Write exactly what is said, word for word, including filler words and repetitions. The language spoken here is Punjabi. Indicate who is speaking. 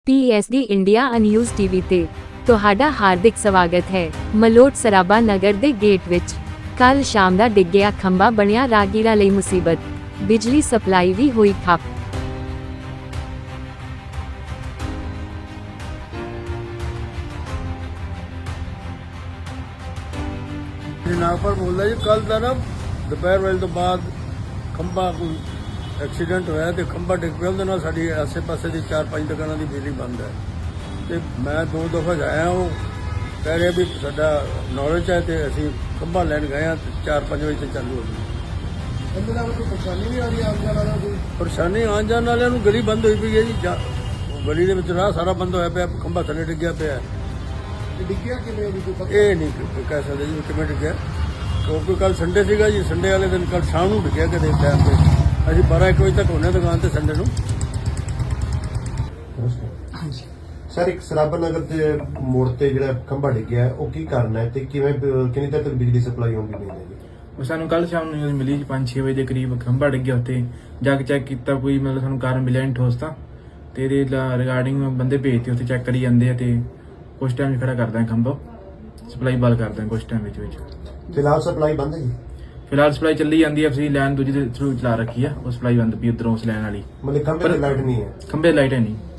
Speaker 1: ਪੀ S D India news TV ਤੇ ਤੁਹਾਡਾ ਹਾਰਦਿਕ ਸਵਾਗਤ ਹੈ। ਮਲੋਟ ਸਰਾਭਾ ਨਗਰ ਦੇ ਗੇਟ ਵਿੱਚ ਕੱਲ ਸ਼ਾਮ ਦਾ ਡਿੱਗਿਆ ਖੰਭਾ ਬਣਿਆ ਰਾਹਗੀਰਾਂ ਲਈ ਮੁਸੀਬਤ। ਬਿਜਲੀ ਸਪਲਾਈ ਵੀ ਹੋਈ ਠੱਪ।
Speaker 2: नागपुर बोल रहा जी कल का ना दोपहर वेले तो बाद खंभा कोई एक्सीडेंट होया ते खंभा डिग पिया ਉਹਦੇ ਨਾਲ ਸਾਡੀ ਆਸੇ ਪਾਸੇ ਦੀ ਚਾਰ ਪੰਜ ਦੁਕਾਨਾਂ ਦੀ ਬਿਜਲੀ ਬੰਦ ਹੈ ਤੇ ਮੈਂ ਦੋ ਦਫਾ ਜਾਇਆ ਉਹ ਕਹਿ ਰਿਹਾ ਵੀ ਸਾਡਾ ਨੌਲੇਜ ਹੈ ਤੇ ਅਸੀਂ ਖੰਭਾ ਲੈਣ ਗਏ ਆ ਚਾਰ ਪੰਜ ਵਜੇ ਤੇ ਚਾਲੂ ਹੋ ਗਈ। ਇਹਦੇ ਨਾਲ ਕੋਈ ਪਰੇਸ਼ਾਨੀ ਨਹੀਂ ਆ ਰਹੀ ਆਉਣ ਜਾਣ ਵਾਲਿਆਂ ਨੂੰ? ਪਰੇਸ਼ਾਨੀ ਆਉਣ ਜਾਣ ਵਾਲਿਆਂ ਨੂੰ ਗਲੀ ਬੰਦ ਹੋਈ ਪਈ ਹੈ ਜੀ। ਗਲੀ ਦੇ ਵਿੱਚ ਰਾਹ ਸਾਰਾ ਬੰਦ ਹੋਇਆ ਪਿਆ, ਖੰਭਾ ਥੱਲੇ ਡਿੱਗਿਆ ਪਿਆ। ਡਿੱਗਿਆ ਕਿਵੇਂ ਇਹ ਨਹੀਂ ਕਹਿ ਸਕਦੇ ਜੀ ਕਿਵੇਂ ਡਿੱਗਿਆ, ਕਿਉਂਕਿ ਕੱਲ ਸੰਡੇ ਸੀਗਾ ਜੀ। ਸੰਡੇ ਵਾਲੇ ਦਿਨ ਕੱਲ ਸ਼ਾਮ ਨੂੰ ਡਿੱਗਿਆ ਕਦੇ ਟਾਈਮ ਤੇ। ਅਸੀਂ ਬਾਰਾਂ ਇੱਕ ਵਜੇ ਤੱਕ ਹੁੰਦੇ ਦੁਕਾਨ ਤੇ ਸੰਡੇ ਨੂੰ।
Speaker 3: ਹਾਂਜੀ ਸਰ, ਇੱਕ ਸਰਾਭਾ ਨਗਰ ਦੇ ਮੋੜ ਤੇ ਜਿਹੜਾ ਖੰਭਾ ਡਿੱਗਿਆ ਉਹ ਕੀ ਕਾਰਨ ਹੈ ਤੇ ਕਿਵੇਂ ਕਿੰਨੀ ਦੇਰ ਤੱਕ ਬਿਜਲੀ ਸਪਲਾਈ ਹੋਣੀ ਨਹੀਂ ਹੈ?
Speaker 4: ਸਾਨੂੰ ਕੱਲ ਸ਼ਾਮ ਨੂੰ ਨਿਊਜ਼ ਮਿਲੀ ਪੰਜ ਛੇ ਵਜੇ ਦੇ ਕਰੀਬ ਖੰਭਾ ਡਿੱਗਿਆ ਉੱਤੇ। ਜਾ ਕੇ ਚੈੱਕ ਕੀਤਾ, ਕੋਈ ਮਤਲਬ ਸਾਨੂੰ ਕਾਰਨ ਮਿਲਿਆ ਨਹੀਂ ਠੋਸ ਤਾਂ, ਤੇ ਇਹਦੇ ਰਿਗਾਰਡਿੰਗ ਬੰਦੇ ਭੇਜਤੇ ਉੱਥੇ ਚੈੱਕ ਕਰੀ ਜਾਂਦੇ ਆ ਤੇ ਕੁਛ ਟਾਈਮ ਖੜਾ ਕਰਦਾ ਖੰਭਾ, ਸਪਲਾਈ ਬੰਦ ਕਰਦਾ ਕੁਛ ਟਾਈਮ ਵਿੱਚ ਵਿੱਚ।
Speaker 3: ਫਿਲਹਾਲ ਸਪਲਾਈ ਬੰਦ ਹੈ ਜੀ?
Speaker 4: ਫਿਲਹਾਲ ਸਪਲਾਈ ਚੱਲੀ ਜਾਂਦੀ ਹੈ, ਅਸੀਂ ਲਾਈਨ ਦੂਜੀ ਦੇ ਥਰੂ ਚਲਾ ਰੱਖੀ ਆ, ਉਹ ਸਪਲਾਈ ਬੰਦ ਪਈ ਉਧਰੋਂ ਉਸ ਲਾਈਨ ਵਾਲੀ।
Speaker 3: ਮਤਲਬ ਖੰਭੇ ਤੇ ਲਾਈਟ ਨਹੀਂ ਹੈ?
Speaker 4: ਖੰਭੇ ਲਾਈਟ ਹੈ ਨਹੀਂ।